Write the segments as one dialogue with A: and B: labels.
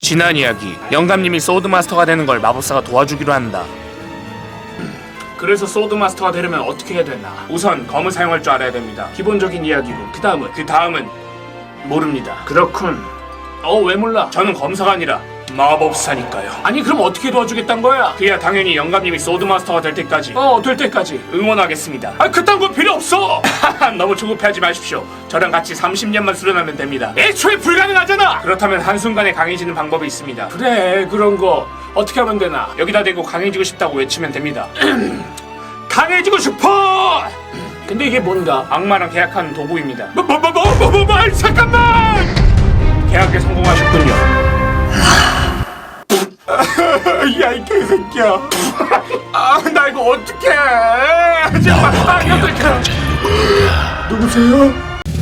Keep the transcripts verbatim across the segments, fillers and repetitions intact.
A: 지난 이야기, 영감님이 소드마스터가 되는 걸 마법사가 도와주기로 한다. 그래서 소드마스터가 되려면 어떻게 해야 되나? 우선 검을 사용할 줄 알아야 됩니다. 기본적인 이야기고 그 다음은 그 다음은 모릅니다. 그렇군. 어, 왜 몰라? 저는 검사가 아니라 마법사니까요. 아니 그럼 어떻게 도와주겠단 거야? 그야 당연히 영감님이 소드마스터가 될 때까지 어 될 때까지 응원하겠습니다. 아 그딴 거 필요 없어. 너무 조급해하지 마십시오. 저랑 같이 삼십 년만 수련하면 됩니다. 애초에 불가능하잖아. 그렇다면 한순간에 강해지는 방법이 있습니다. 그래 그런 거 어떻게 하면 되나? 여기다 대고 강해지고 싶다고 외치면 됩니다. 강해지고 싶어. 근데 이게 뭔가? 악마랑 계약한 도구입니다. 뭐 뭐 뭐 뭐 뭐 뭐 뭐 잠깐만. 계약에 성공하셨군요. 야 이 개새끼야. 아 나 이거 어떡해. 정말 아 어떡해. 누구세요?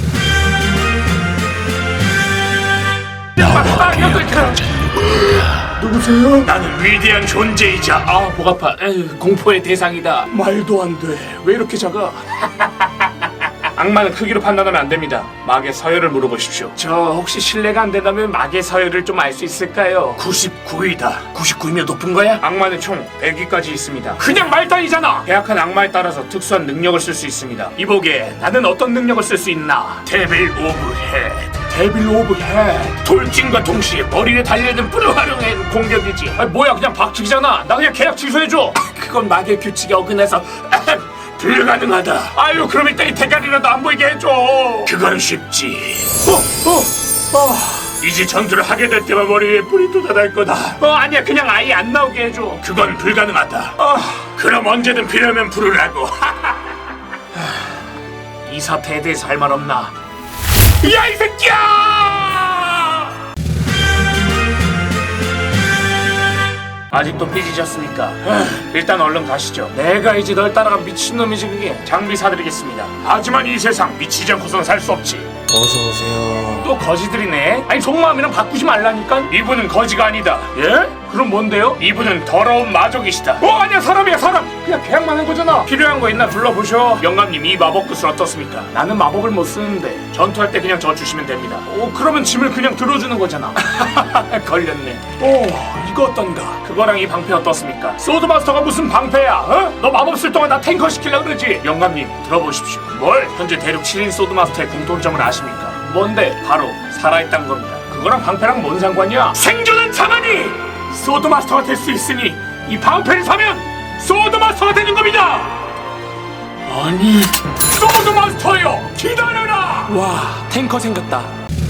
A: 정말 아 어떡해. 누구세요? 나는 위대한 존재이자 아 목 아파. 에휴, 공포의 대상이다. 말도 안 돼. 왜 이렇게 작아? 악마는 크기로 판단하면 안 됩니다. 막의 서열을 물어보십시오. 저 혹시 실례가 안 된다면 막의 서열을 좀 알 수 있을까요? 구십구 위다. 구십구 위면 높은 거야? 악마는 총 백 위까지 있습니다. 그냥 말단이잖아. 계약한 악마에 따라서 특수한 능력을 쓸 수 있습니다. 이보게 나는 어떤 능력을 쓸 수 있나? 데빌 오브 헤드. 데빌 오브 헤드. 돌진과 동시에 머리 위에 달려있는 뿔을 활용한 공격이지. 아 뭐야 그냥 박치기잖아. 나 그냥 계약 취소해줘. 그건 막의 규칙에 어긋나서 불가능하다. 아유 그럼 일단 이 대가리라도 안 보이게 해줘. 그건 쉽지. 어, 어, 어. 이제 전투를 하게 될 때만 머리 위에 뿔이 돋아날 거다. 어 아니야 그냥 아예 안 나오게 해줘. 그건 불가능하다. 어. 그럼 언제든 필요하면 부르라고. 이 사태에 대해서 할 말 없나? 야 이 새끼야! 아직도 삐지셨습니까? 일단 얼른 가시죠. 내가 이제 널 따라간 미친놈이지 그게. 장비 사드리겠습니다. 하지만 이 세상 미치지 않고선 살 수 없지.
B: 어서오세요.
A: 또 거지들이네. 아니 속마음이랑 바꾸지 말라니까. 이분은 거지가 아니다. 예? 그럼 뭔데요? 이분은 더러운 마족이시다. 어 아니야 사람이야 사람. 그냥 계약만 한 거잖아. 필요한 거 있나 불러보셔. 영감님 이 마법 구슬 어떻습니까? 나는 마법을 못 쓰는데 전투할 때 그냥 저 주시면 됩니다. 오 그러면 짐을 그냥 들어주는 거잖아. 걸렸네. 오 이거 어떤가? 그거랑 이 방패 어떻습니까? 소드마스터가 무슨 방패야? 어? 너 마법 쓸 동안 나 탱커 시키려고 그러지? 영감님 들어보십시오. 뭘? 현재 대륙 칠 인 소드마스터의 공통점을 아십니까? 뭔데? 바로 살아있다는 겁니다. 그거랑 방패랑 뭔 상관이야? 생존은 자만이 소드마스터가 될 수 있으니 이 방패를 사면 소드마스터가 되는 겁니다. 아니 소드마스터요 기다려라. 와 탱커 생겼다.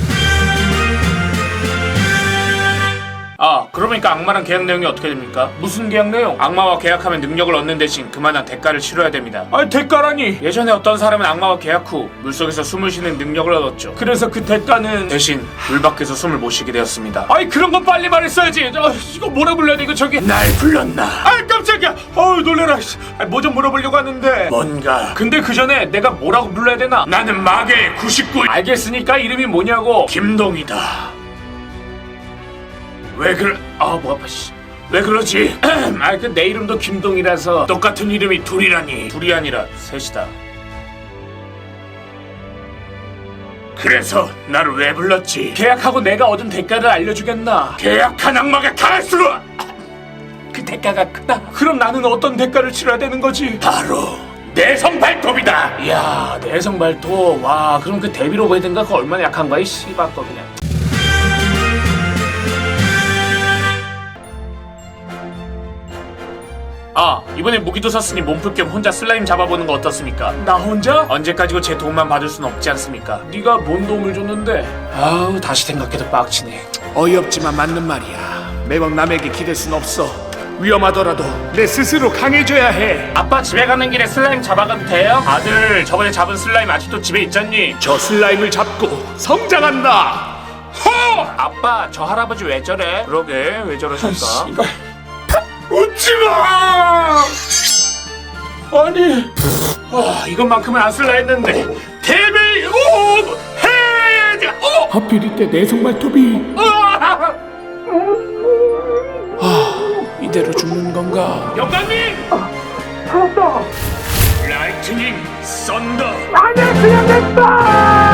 A: 아 그러니까 악마랑 계약 내용이 어떻게 됩니까? 무슨 계약 내용? 악마와 계약하면 능력을 얻는 대신 그만한 대가를 치러야 됩니다. 아니 대가라니? 예전에 어떤 사람은 악마와 계약 후 물속에서 숨을 쉬는 능력을 얻었죠. 그래서 그 대가는 대신 물 밖에서 숨을 못 쉬게 되었습니다. 아니 그런 건 빨리 말했어야지. 아, 이거 뭐라 불러야 돼 이거 저기. 날 불렀나? 아 깜짝이야. 어우 놀래라. 뭐 좀 물어보려고 하는데 뭔가. 근데 그 전에 내가 뭐라고 불러야 되나? 나는 마계 구십구. 알겠으니까 이름이 뭐냐고. 김동이다. 왜 그러... 아, 뭐 아파, 씨. 왜 그러지? 아, 그 내 이름도 김동이라서 똑같은 이름이 둘이라니. 둘이 아니라 셋이다. 그래서 나를 왜 불렀지? 계약하고 내가 얻은 대가를 알려주겠나? 계약한 악마가 갈수록 그 대가가 크다. 그럼 나는 어떤 대가를 치러야 되는 거지? 바로 내성 발톱이다. 이야, 내성 발톱. 와, 그럼 그 데빌 오브 헤드인가 그거 얼마나 약한 거야? 이 씨발 거 그냥. 아 이번에 무기도 샀으니 몸풀 겸 혼자 슬라임 잡아보는 거 어떻습니까? 나 혼자? 언제까지고 제 도움만 받을 순 없지 않습니까? 네가 뭔 도움을 줬는데? 아우 다시 생각해도 빡치네. 어이없지만 맞는 말이야. 매번 남에게 기댈 순 없어. 위험하더라도 내 스스로 강해져야 해. 아빠 집에 가는 길에 슬라임 잡아가도 돼요? 아들 저번에 잡은 슬라임 아직도 집에 있잖니? 저 슬라임을 잡고 성장한다. 허! 아빠 저 할아버지 왜 저래? 그러게 왜 저러실까? 웃지마! 아니 아, 이것만큼은 안 쓸라 했는데 데빌 오브 헤드! 어? 하필 이때 내성 발톱이 아, 이대로 죽는 건가? 영감님! 아, 살았다! 라이트닝 썬더! 아니야 그냥 됐다!